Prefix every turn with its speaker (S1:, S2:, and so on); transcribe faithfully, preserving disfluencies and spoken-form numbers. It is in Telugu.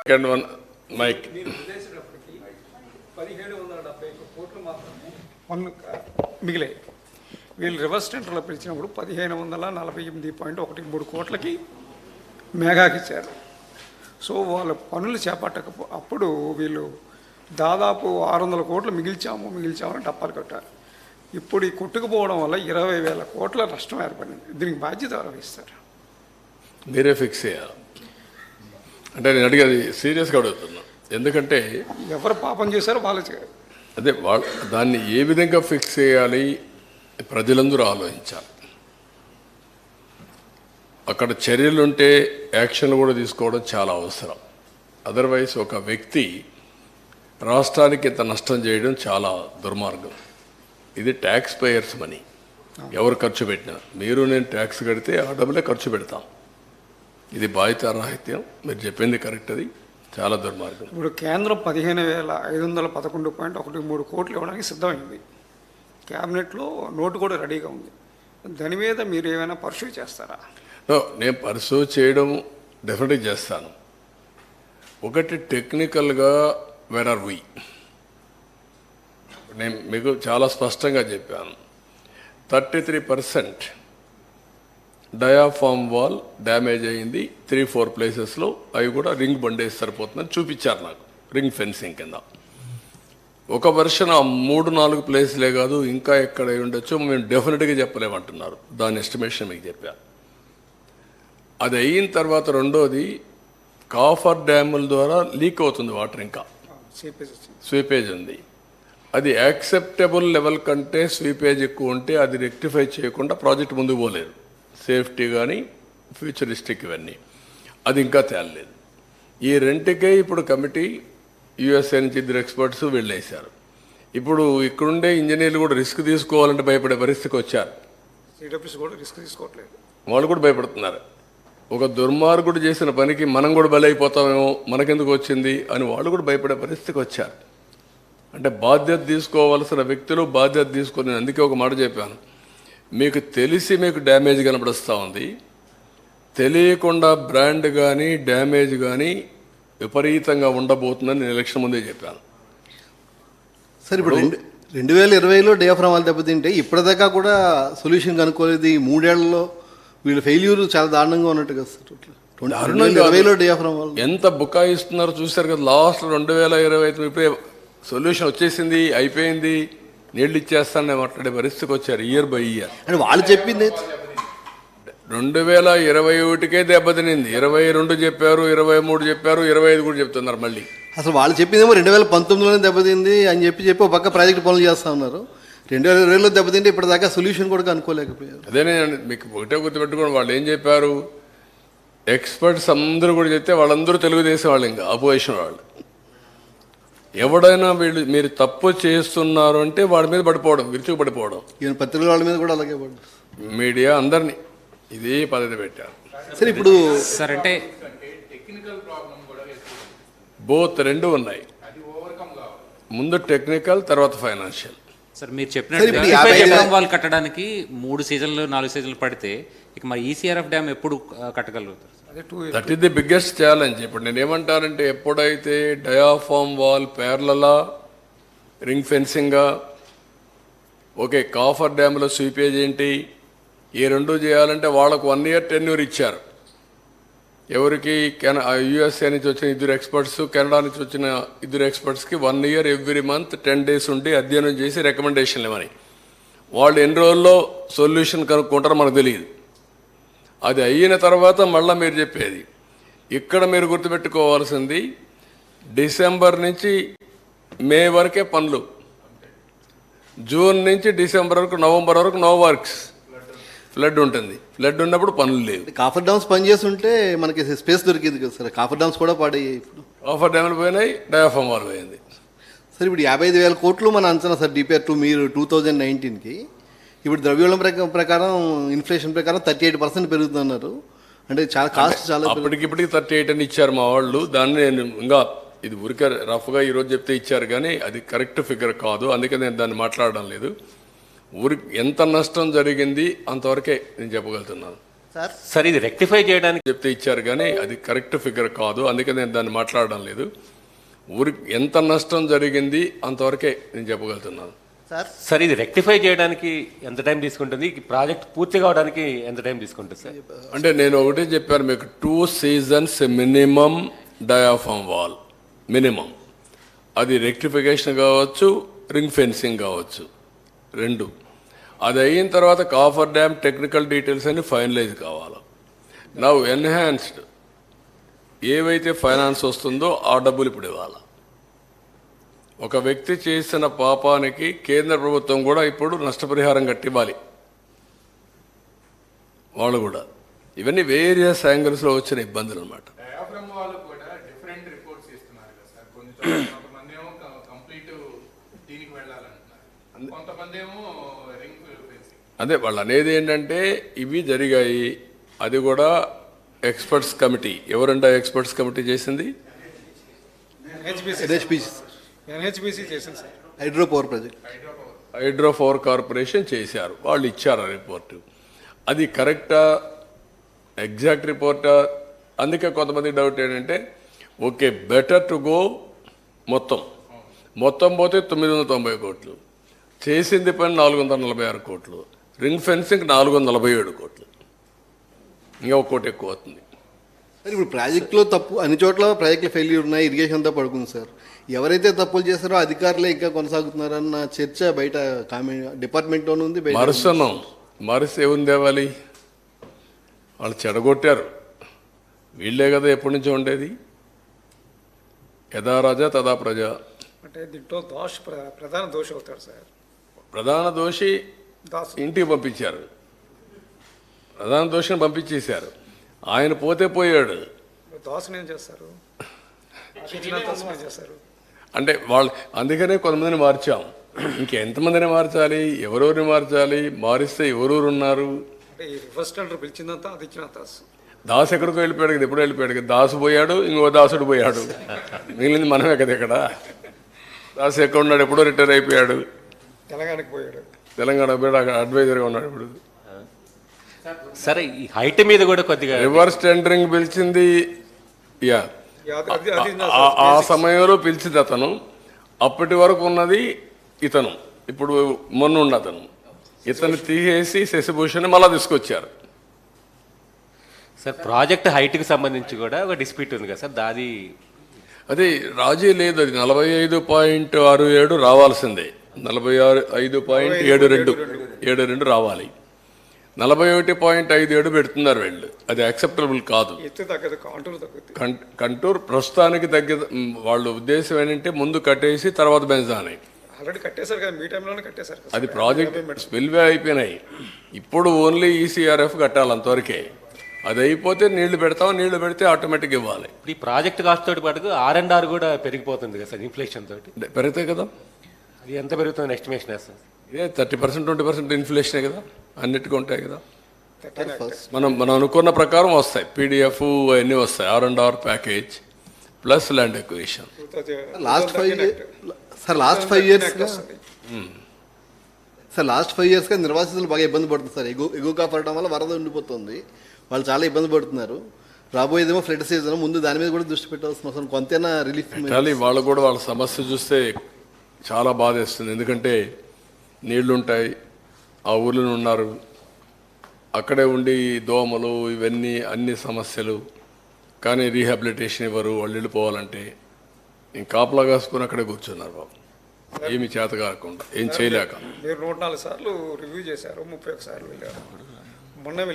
S1: Second one mic.
S2: పదిహేడు వందల డెబ్బై కోట్లు మాత్రమే పన్ను మిగిలాయి. వీళ్ళు రివర్స్ టెండర్లో పిలిచినప్పుడు పదిహేను వందల నలభై ఎనిమిది పాయింట్ ఒకటి మూడు కోట్లకి మేఘాకి ఇచ్చారు. సో వాళ్ళ పనులు చేపట్టక అప్పుడు వీళ్ళు దాదాపు ఆరు వందల కోట్లు మిగిల్చాము మిగిల్చామని డప్పాలు కట్టారు. ఇప్పుడు ఈ కొట్టుకుపోవడం వల్ల ఇరవై వేల కోట్ల నష్టం ఏర్పడింది. దీనికి బాధ్యత వహిస్తారు.
S1: మీరే ఫిక్స్ చేయాలి అంటే నేను అడిగేది సీరియస్గా అడుగుతున్నా. ఎందుకంటే
S2: ఎవరు పాపం చేశారో వాళ్ళు
S1: అదే వాళ్ళ దాన్ని ఏ విధంగా ఫిక్స్ చేయాలి ప్రజలందరూ ఆలోచించాలి. అక్కడ చర్యలుంటే యాక్షన్ కూడా తీసుకోవడం చాలా అవసరం. అదర్వైజ్ ఒక వ్యక్తి రాష్ట్రానికి ఇంత నష్టం చేయడం చాలా దుర్మార్గం. ఇది ట్యాక్స్ పేయర్స్ మనీ. ఎవరు ఖర్చు పెట్టినా మీరు నేను ట్యాక్స్ కడితే ఆ డబ్బులే ఖర్చు పెడతాం. ఇది బాధ్యతారాహిత్యం. మీరు చెప్పింది కరెక్ట్. అది చాలా దుర్మార్గం.
S2: ఇప్పుడు కేంద్రం పదిహేను వేల ఐదు వందల పదకొండు పాయింట్ ఒకటి మూడు కోట్లు ఇవ్వడానికి సిద్ధమైంది. క్యాబినెట్లో నోటు కూడా రెడీగా ఉంది. దాని మీద మీరు ఏమైనా పర్సూ చేస్తారా?
S1: నేను పర్సూ చేయడం డెఫినెట్గా చేస్తాను. ఒకటి టెక్నికల్గా వేర్ ఆర్ వీ నేను మీకు చాలా స్పష్టంగా చెప్పాను. Thirty three percent diaphragm wall damage అయ్యింది త్రీ ఫోర్ ప్లేసెస్లో. అవి కూడా రింగ్ బండేసి సరిపోతుందని చూపించారు నాకు, రింగ్ ఫెన్సింగ్ కింద. ఒక వర్షన్ ఆ మూడు నాలుగు ప్లేస్లే కాదు ఇంకా ఎక్కడ ఉండొచ్చో మేము డెఫినెట్గా చెప్పలేమంటున్నారు. దాని ఎస్టిమేషన్ మీకు చెప్పాను. అది అయిన తర్వాత రెండోది కాఫర్ డ్యాముల ద్వారా లీక్ అవుతుంది వాటర్. ఇంకా స్వీపేజ్ ఉంది. అది యాక్సెప్టబుల్ లెవెల్ కంటే స్వీపేజ్ ఎక్కువ ఉంటే అది రెక్టిఫై చేయకుండా ప్రాజెక్ట్ ముందుకు పోలేదు. సేఫ్టీ కానీ ఫ్యూచరిస్టిక్ ఇవన్నీ అది ఇంకా తేలలేదు. ఈ రెంటికే ఇప్పుడు కమిటీ యూఎస్ఏ నుంచి ఇద్దరు ఎక్స్పర్ట్స్ వెళ్ళేశారు. ఇప్పుడు ఇక్కడుండే ఇంజనీర్లు కూడా రిస్క్ తీసుకోవాలంటే భయపడే పరిస్థితికి వచ్చారు.
S2: కూడా రిస్క్ తీసుకోవట్లేదు.
S1: వాళ్ళు కూడా భయపడుతున్నారు. ఒక దుర్మార్గుడు చేసిన పనికి మనం కూడా బలైపోతామేమో, మనకెందుకు వచ్చింది అని వాళ్ళు కూడా భయపడే పరిస్థితికి వచ్చారు. అంటే బాధ్యత తీసుకోవాల్సిన వ్యక్తులు బాధ్యత తీసుకొని, అందుకే ఒక మాట చెప్పాను, మీకు తెలిసి మీకు డ్యామేజ్ కనబడుస్తూ ఉంది, తెలియకుండా బ్రాండ్ కానీ డ్యామేజ్ కానీ విపరీతంగా ఉండబోతుందని నేను ఎలక్షన్ ముందే చెప్పాను.
S3: సార్ ఇప్పుడు రెండు రెండు వేల ఇరవైలో డయాఫ్రామ్ వాళ్ళు దెబ్బతింటే ఇప్పటిదాకా కూడా సొల్యూషన్ కనుక్కోలేదు. ఈ మూడేళ్లలో వీళ్ళు ఫెయిల్యూర్ చాలా దారుణంగా ఉన్నట్టు కదా సార్. ఇరవైలో డయాఫ్రామ్ వాళ్ళు
S1: ఎంత బుకాయిస్తున్నారో చూశారు కదా. లాస్ట్ రెండు వేల ఇరవై ఐదు ఇప్పుడే సొల్యూషన్ వచ్చేసింది, అయిపోయింది, నీళ్ళు ఇచ్చేస్తానని మాట్లాడే పరిస్థితికి వచ్చారు. ఇయర్ బై ఇయర్
S3: అంటే వాళ్ళు చెప్పింది
S1: రెండు వేల ఇరవై ఒకటికే దెబ్బతినింది. ఇరవై రెండు చెప్పారు, ఇరవై మూడు చెప్పారు, ఇరవై ఐదు కూడా చెప్తున్నారు మళ్ళీ.
S3: అసలు వాళ్ళు చెప్పిందేమో రెండు వేల పంతొమ్మిదిలోనే దెబ్బతింది అని చెప్పి చెప్పి ఒక పక్క ప్రాజెక్ట్ పనులు చేస్తూ ఉన్నారు. రెండు వేల ఇరవైలో దెబ్బతింటే ఇప్పటిదాకా సొల్యూషన్ కూడా అనుకోలేకపోయారు.
S1: అదేనే మీకు ఒకటే గుర్తుపెట్టుకోండి, వాళ్ళు ఏం చెప్పారు, ఎక్స్పర్ట్స్ అందరూ కూడా చెప్తే వాళ్ళందరూ తెలుగుదేశం వాళ్ళు, ఇంకా అపోజిషన్ వాళ్ళు. ఎవడైనా వీళ్ళు మీరు తప్పు చేస్తున్నారు అంటే వాడి మీద పడిపోవడం, విరుచుకు పడిపోవడం.
S3: ఈవెన్ పత్రికల వాళ్ళ మీద కూడా అలాగే పడ్డారు.
S1: మీడియా అందరినీ ఇదే పద్ధతి పెట్టారు.
S3: సరే ఇప్పుడు
S4: సార్ అంటే
S1: బోత్ రెండు ఉన్నాయి. ముందు టెక్నికల్, తర్వాత ఫైనాన్షియల్.
S4: సార్ మీరు చెప్పినట్టు వాళ్ళు కట్టడానికి మూడు సీజన్లు నాలుగు సీజన్లు పడితే ఇక మరి ఈసీఆర్ఎఫ్ డ్యామ్ ఎప్పుడు కట్టగలుగుతారు?
S1: That is the biggest challenge. ఇప్పుడు నేను ఏమంటానంటే, ఎప్పుడైతే డయాఫామ్ వాల్ పేర్లలా రింగ్ ఫెన్సింగ్గా, ఓకే కాఫర్ డ్యామ్లో స్వీపేజ్ ఏంటి, ఈ రెండు చేయాలంటే వాళ్ళకు వన్ ఇయర్ టెన్యూర్ ఇచ్చారు. ఎవరికి కెన యూఎస్ఏ నుంచి వచ్చిన ఇద్దరు ఎక్స్పర్ట్స్, కెనడా నుంచి వచ్చిన ఇద్దరు ఎక్స్పర్ట్స్కి one year every month ten days ఉండి అధ్యయనం చేసి రికమెండేషన్లు ఇవ్వని. వాళ్ళు ఎన్ని రోజుల్లో సొల్యూషన్ కనుక్కుంటారో మనకు తెలియదు. అది అయిన తర్వాత మళ్ళీ మీరు చెప్పేది, ఇక్కడ మీరు గుర్తుపెట్టుకోవాల్సింది డిసెంబర్ నుంచి మే వరకే పనులు, జూన్ నుంచి డిసెంబర్ వరకు నవంబర్ వరకు నో వర్క్స్. ఫ్లడ్ ఉంటుంది, ఫ్లడ్ ఉన్నప్పుడు పనులు లేవు.
S3: కాఫర్ డ్యామ్స్ పనిచేస్తుంటే మనకి స్పేస్ దొరికింది కదా సార్. కాఫర్ డ్యామ్స్ కూడా పాడయ్యాయి. ఇప్పుడు
S1: కాఫర్ డ్యామ్లు పోయినాయి, డయాఫామ్ వాల్ పోయింది.
S3: సార్ ఇప్పుడు యాభై ఐదు వేల కోట్లు మన అంచనా సార్ డిపిఆర్ టూ మీరు టూ థౌజండ్ నైన్టీన్కి. ఇప్పుడు ద్రవ్యోళం ప్రకారం ఇన్ఫ్లేషన్ ప్రకారం థర్టీ ఎయిట్ పర్సెంట్ పెరుగుతున్నారు. అంటే చాలా కాస్ట్ చాలా
S1: అప్పటికిప్పటికి థర్టీ ఎయిట్ అని ఇచ్చారు మా వాళ్ళు. దాన్ని నేను ఇంకా ఇది ఊరికే రఫ్గా ఈరోజు చెప్తే ఇచ్చారు కానీ అది కరెక్ట్ ఫిగర్ కాదు, అందుకే నేను దాన్ని మాట్లాడడం లేదు. ఊరికి ఎంత నష్టం జరిగింది అంతవరకే నేను చెప్పగలుగుతున్నాను.
S3: సార్
S5: సార్ ఇది రెక్టిఫై చేయడానికి
S1: చెప్తే ఇచ్చారు కానీ అది కరెక్ట్ ఫిగర్ కాదు, అందుకే నేను దాన్ని మాట్లాడడం లేదు. ఊరికి ఎంత నష్టం జరిగింది అంతవరకే నేను చెప్పగలుగుతున్నాను.
S3: సార్
S5: సార్ ఇది రెక్టిఫై చేయడానికి ఎంత టైం తీసుకుంటుంది, ఈ ప్రాజెక్ట్ పూర్తి కావడానికి ఎంత టైం తీసుకుంటుంది సార్?
S1: అంటే నేను ఒకటే చెప్పాను మీకు, two seasons minimum diaphragm wall minimum. అది రెక్టిఫికేషన్ కావచ్చు, రింగ్ ఫెన్సింగ్ కావచ్చు, రెండు. అది అయిన తర్వాత కాఫర్ డ్యామ్ టెక్నికల్ డీటెయిల్స్ అన్ని ఫైనలైజ్ కావాలి. నౌ ఎన్హాన్స్డ్ ఏవైతే ఫైనాన్స్ వస్తుందో ఆ డబ్బులు ఇప్పుడు ఇవ్వాలి. ఒక వ్యక్తి చేసిన పాపానికి కేంద్ర ప్రభుత్వం కూడా ఇప్పుడు నష్టపరిహారం కట్టివ్వాలి వాళ్ళు కూడా. ఇవన్నీ వేరియస్ యాంగిల్స్లో వచ్చిన ఇబ్బందులు అనమాట.
S6: డయాఫ్రమ్ వాళ్ళు కూడా డిఫరెంట్ రిపోర్ట్స్ ఇస్తున్నారు కదా సార్. కొన్ని చోట్ల కొంతమంది ఏమో కంప్లీట్ దీనికి వెళ్ళాలంటున్నారు, కొంతమంది ఏమో రింగ్ ఫెన్సింగ్.
S1: అదే వాళ్ళు అనేది ఏంటంటే ఇవి జరిగాయి. అది కూడా ఎక్స్పర్ట్స్ కమిటీ, ఎవరంటే ఎక్స్పర్ట్స్ కమిటీ చేసింది?
S2: ఎన్హెచ్బిసి
S3: ఎన్హెచ్పిసి
S2: ఎన్హెచ్బిసి చేసింది sir.
S3: Hydro power project
S1: hydro power corporation చేశారు, వాళ్ళు ఇచ్చారు ఆ రిపోర్టు. అది కరెక్టా, ఎగ్జాక్ట్ రిపోర్టా? అందుకే కొంతమంది డౌట్ ఏంటంటే ఓకే బెటర్ టు గో మొత్తం మొత్తం పోతే తొమ్మిది వందల తొంభై కోట్లు, చేసింది పని నాలుగు వందల నలభై ఆరు కోట్లు, రింగ్ ఫెన్సింగ్ నాలుగు వందల నలభై ఏడు కోట్లు, ఇంకా ఒక కోటి ఎక్కువ అవుతుంది.
S3: సార్ ఇప్పుడు ప్రాజెక్టులో తప్పు అన్ని చోట్ల ప్రాజెక్టులు ఫెయిల్యూర్ ఉన్నాయి, ఇరిగేషన్ అంతా పడుకుంది సార్. ఎవరైతే తప్పులు చేస్తారో అధికారులే ఇంకా కొనసాగుతున్నారన్న చర్చ బయట కామెంట్ డిపార్ట్మెంట్లోనే ఉంది. బయట
S1: మరుసనం మరుస ఏముంది తేవాలి? వాళ్ళు చెడగొట్టారు, వీళ్ళే కదా ఎప్పటి నుంచో ఉండేది. యథా రాజా తదా ప్రజ.
S2: అంటే దీంట్లో దోష ప్ర- ప్రధాన దోష అవుతాడు సార్.
S1: ప్రధాన దోషి
S2: దాసు
S1: ఇంటికి పంపించారు, ప్రధాన దోషిని పంపించేశారు. ఆయన పోతే పోయాడు.
S2: దోషం ఏం చేస్తారు, ఇచ్చిన దోషం ఏం చేస్తారు?
S1: అంటే వాళ్ళు అందుకనే కొంతమందిని మార్చాం. ఇంకెంతమందిని మార్చాలి, ఎవరెవరిని మార్చాలి, మారిస్తే ఎవరెవరు ఉన్నారు?
S2: అంటే ఈ రివర్స్ టెండర్ పిలిచిందంతా అది ఇచ్చిన దాసు.
S1: దాసు ఎక్కడికో వెళ్ళిపోయాడు కదా, ఎప్పుడు వెళ్ళిపోయాడు కదా. దాసు పోయాడు, ఇంకో దాసుడు పోయాడు, మిగిలింది మనమే కదా ఇక్కడ. దాసు ఎక్కడ ఉన్నాడు, ఎప్పుడో రిటైర్ అయిపోయాడు,
S2: తెలంగాణకి పోయాడు.
S1: తెలంగాణ పోయాడు, అక్కడ అడ్వైజర్గా ఉన్నాడు ఇప్పుడు.
S5: సరే ఈ హైట్ మీద కూడా కొద్దిగా
S1: రివర్స్ టెండరింగ్ పిలిచింది, యా
S2: అది- అది- అది నా
S1: ఆ- ఆ సమయంలో పిలిచింది అతను. అప్పటి వరకు ఉన్నది ఇతను, ఇప్పుడు మొన్న ఉన్న అతను. ఇతను తీసేసి శశిభూషణ్ మళ్ళా తీసుకొచ్చారు.
S5: సార్ ప్రాజెక్ట్ హైట్కి సంబంధించి కూడా ఒక డిస్ప్యూట్ ఉంది కదా సార్, దాది
S1: అది రాజీ లేదు, అది నలభై ఐదు పాయింట్ ఆరు ఏడు రావాల్సిందే. నలభై ఆరు ఐదు పాయింట్ ఏడు రెండు ఏడు రెండు రావాలి. నలభై ఒకటి పాయింట్ ఐదు ఏడు పెడుతున్నారు వీళ్ళు, అది యాక్సెప్టబుల్ కాదు.
S2: ఎత్తు తగ్గదు, కాంటూర్ తగ్గుద్ది.
S1: కం- కంటూర్ ప్రస్తుతానికి తగ్గ వాళ్ళ ఉద్దేశం ఏంటంటే ముందు కట్టేసి తర్వాత పెంచాలి.
S2: ఆల్రెడీ కట్టేశారు కదా, మీ టైంలోనే కట్టేశారు కదా.
S1: అది ప్రాజెక్ట్ స్పిల్వే అయిపోయినాయి. ఇప్పుడు ఓన్లీ ఈసీఆర్ఎఫ్ కట్టాలి అంతవరకే. అది అయిపోతే నీళ్లు పెడతాం, నీళ్లు పెడితే ఆటోమేటిక్ ఇవ్వాలి.
S5: ఇప్పుడు ఈ ప్రాజెక్ట్ కాస్ట్ తోటి పాటు ఆర్ అండ్ ఆర్ కూడా పెరిగిపోతుంది కదా సార్ ఇన్ఫ్లేషన్ తోటి.
S1: పెరుగుతాయి కదా,
S5: అది ఎంత పెరుగుతుంది ఎస్టిమేషన్ సార్?
S1: ఇదే థర్టీ పర్సెంట్ ట్వంటీ పర్సెంట్ ఇన్ఫ్లేషనే కదా, అన్నిటికీ ఉంటాయి కదా.
S2: Thirteen act.
S1: మనం మనం అనుకున్న ప్రకారం వస్తాయి, పీడిఎఫ్ అవన్నీ వస్తాయి. R and R package plus land acquisition.
S3: Last five sir last five ఇయర్స్గా సార్ లాస్ట్ ఫైవ్ ఇయర్స్గా నిర్వాసితులు బాగా ఇబ్బంది పడుతుంది సార్. ఎగు ఎగుగా పడడం వల్ల వరద ఉండిపోతుంది, వాళ్ళు చాలా ఇబ్బంది పడుతున్నారు. రాబోయేదేమో ఫ్లడ్ సీజన్, ముందు దాని మీద కూడా దృష్టి పెట్టాల్సిన అవసరం, కొంతైనా రిలీఫ్.
S1: కానీ వాళ్ళు కూడా వాళ్ళ సమస్య చూస్తే చాలా బాధేస్తుంది. ఎందుకంటే నీళ్లుంటాయి, ఆ ఊళ్ళో ఉన్నారు, అక్కడే ఉండి దోమలు ఇవన్నీ అన్ని సమస్యలు. కానీ రీహాబిలిటేషన్ ఇవ్వరు, వాళ్ళు వెళ్ళిపోవాలంటే ఇంక కాపలా కాసుకొని అక్కడే కూర్చున్నారు బాబు, ఏమి చేత కాకుండా, ఏం చేయలేక.
S2: మీరు నూట నాలుగు సార్లు రివ్యూ చేశారు, ముప్పై ఒక సార్లు వెళ్ళారు. మొన్న